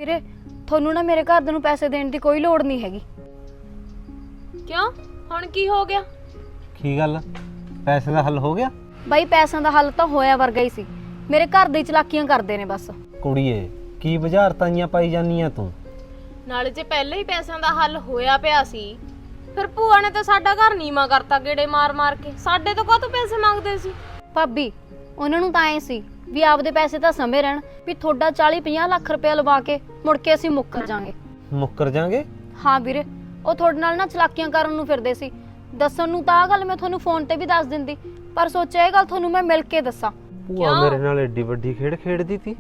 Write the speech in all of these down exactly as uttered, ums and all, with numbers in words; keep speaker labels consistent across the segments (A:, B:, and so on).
A: ਵੀਰੇ ਤੁਹਾਨੂੰ ਨਾ ਮੇਰੇ ਘਰ ਦੇ ਨੂੰ ਪੈਸੇ ਦੇਣ ਦੀ ਕੋਈ ਲੋੜ ਨਹੀਂ ਹੈਗੀ।
B: ਕਿਉਂ ਹੁਣ ਕੀ ਹੋ ਗਿਆ?
C: ਕੀ ਗੱਲ ਪੈਸੇ ਦਾ ਹੱਲ ਹੋ ਗਿਆ?
A: ਬਾਈ ਪੈਸਿਆਂ ਦਾ ਹੱਲ ਤਾਂ ਹੋਇਆ ਵਰਗਾ ਹੀ ਸੀ, ਮੇਰੇ ਘਰ ਦੇ ਚਲਾਕੀਆਂ ਕਰਦੇ ਨੇ ਬਸ।
C: ਕੁੜੀਏ ਕੀ ਬੁਝਾਰਤਾਂ ਪਾਈ ਜਾਨੀਆਂ ਤੂੰ?
B: ਨਾਲੇ ਜੇ ਪਹਿਲਾਂ ਹੀ ਪੈਸਿਆਂ ਦਾ ਹੱਲ ਹੋਇਆ ਪਿਆ ਸੀ ਫਿਰ ਭੂਆ ਨੇ ਤਾਂ ਸਾਡਾ ਘਰ ਨੀਵਾਂ ਕਰਤਾ ਗੇੜੇ ਮਾਰ ਮਾਰ ਕੇ। ਸਾਡੇ ਤੋਂ ਕਾਹਤੋਂ ਪੈਸੇ ਮੰਗਦੇ ਸੀ?
A: ਭਾਬੀ ਉਹਨਾਂ ਨੂੰ ਤਾਂ ਐ ਸੀ ਵੀ ਆਪਦੇ ਪੈਸੇ ਤਾਂ ਸਮੇਂ ਰਹਿਣ, ਵੀ ਤੁਹਾਡਾ ਚਾਲੀ ਪੰਜਾਹ ਲੱਖ ਰੁਪਏ ਲਵਾ ਕੇ ਮੁੜ ਕੇ ਅਸੀਂ ਮੁੱਕਰ ਜਾਾਂਗੇ।
C: ਮੁੱਕਰ ਜਾਾਂਗੇ?
A: ਹਾਂ ਵੀਰੇ, ਉਹ ਤੁਹਾਡੇ ਨਾਲ ਨਾ ਚਲਾਕੀਆਂ ਕਰਨ ਨੂੰ ਫਿਰਦੇ ਸੀ। ਦੱਸਣ ਨੂੰ ਤਾਂ ਆਹ ਗੱਲ ਮੈਂ ਤੁਹਾਨੂੰ ਫੋਨ ਤੇ ਵੀ ਦੱਸ ਦਿੰਦੀ, ਪਰ ਸੋਚਿਆ ਇਹ ਗੱਲ ਤੁਹਾਨੂੰ ਮੈਂ ਮਿਲ ਕੇ ਦੱਸਾਂ।
C: ਭੂਆ ਮੇਰੇ ਨਾਲ ਏਡੀ ਵੱਡੀ ਖੇਡ ਖੇਡਦੀ ਤੀ।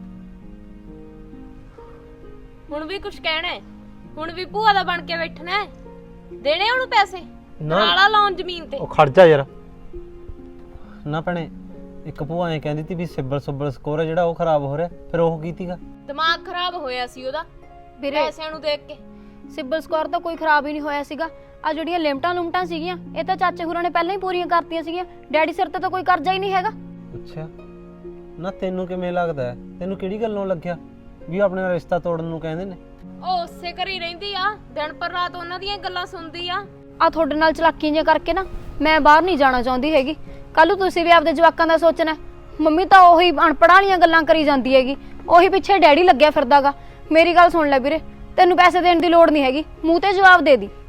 B: ਹੁਣ ਵੀ ਕੁਝ ਕਹਿਣਾ ਹੈ? ਹੁਣ ਵੀ ਭੂਆ ਦਾ ਬਣ ਕੇ ਬੈਠਣਾ ਹੈ? ਦੇਣੇ ਉਹਨੂੰ ਪੈਸੇ? ਨਾਲਾ ਲਾਉਣ ਜ਼ਮੀਨ ਤੇ?
C: ਉਹ ਖੜ ਜਾ ਯਾਰ। ਨਾ ਭੈਣੇ ਇੱਕ ਭੂਆ ਐ ਕਹਿੰਦੀ ਤੀ ਵੀ ਸਿਬਲ ਸੁਬਲ ਸਕੋਰ ਜਿਹੜਾ ਉਹ ਖਰਾਬ ਹੋ ਰਿਹਾ, ਫਿਰ ਉਹ ਕੀਤੀਗਾ?
B: ਦਿਮਾਗ ਖਰਾਬ ਹੋਇਆ ਸੀ ਉਹਦਾ
A: ਵੀਰੇ
B: ਪੈਸਿਆਂ ਨੂੰ ਦੇਖ ਕੇ।
A: ਸਿਬਲ ਸਕੋਰ ਤਾਂ ਕੋਈ ਖਰਾਬ ਹੀ ਨਹੀਂ ਹੋਇਆ ਸੀਗਾ। ਆ ਜਿਹੜੀਆਂ ਲਿਮਟਾਂ ਲੁਮਟਾਂ ਸੀਗੀਆਂ ਇਹ ਤਾਂ ਚਾਚੇ ਹੁਰਾਂ ਨੇ ਪਹਿਲਾਂ ਹੀ ਪੂਰੀਆਂ ਕਰਤੀਆਂ ਸੀਗੀਆਂ। ਡੈਡੀ ਸਿਰ ਤੇ ਤਾਂ ਕੋਈ ਕਰਜ਼ਾ ਹੀ ਨਹੀਂ ਹੈਗਾ।
C: ਅੱਛਾ ਨਾ ਤੈਨੂੰ ਕਿਵੇਂ ਲੱਗਦਾ? ਤੈਨੂੰ ਕਿਹੜੀ ਗੱਲੋਂ ਲੱਗਿਆ ਵੀ ਆਪਣੇ ਨਾਲ ਰਿਸ਼ਤਾ ਤੋੜਨ ਨੂੰ ਕਹਿੰਦੇ ਨੇ?
B: ਉਹ ਉਸੇ ਘਰ ਹੀ ਰਹਿੰਦੀ ਆ, ਦਿਨ ਪਰ ਰਾਤ ਉਹਨਾਂ ਦੀਆਂ ਗੱਲਾਂ ਸੁਣਦੀ ਆ।
A: ਆ ਤੁਹਾਡੇ ਨਾਲ ਚਲਾਕੀਆਂ ਜਿਹੀਆਂ ਕਰਕੇ ਨਾ ਮੈਂ ਬਾਹਰ ਨਹੀਂ ਜਾਣਾ ਚਾਹੁੰਦੀ ਹੈਗੀ। ਕੱਲ ਨੂੰ ਤੁਸੀਂ ਵੀ ਆਪਦੇ ਜਵਾਕਾਂ ਦਾ ਸੋਚਣਾ। ਮੰਮੀ ਤਾਂ ਉਹੀ ਅਣਪੜ੍ਹਾਂ ਵਾਲੀਆਂ ਗੱਲਾਂ ਕਰੀ ਜਾਂਦੀ ਹੈਗੀ, ਉਹੀ ਪਿੱਛੇ ਡੈਡੀ ਲੱਗਿਆ ਫਿਰਦਾਗਾ। ਮੇਰੀ ਗੱਲ ਸੁਣ ਲੈ ਵੀਰੇ, ਤੈਨੂੰ ਪੈਸੇ ਦੇਣ ਦੀ ਲੋੜ ਨਹੀਂ ਹੈਗੀ, ਮੂੰਹ ਤੇ ਜਵਾਬ ਦੇ ਦੀ।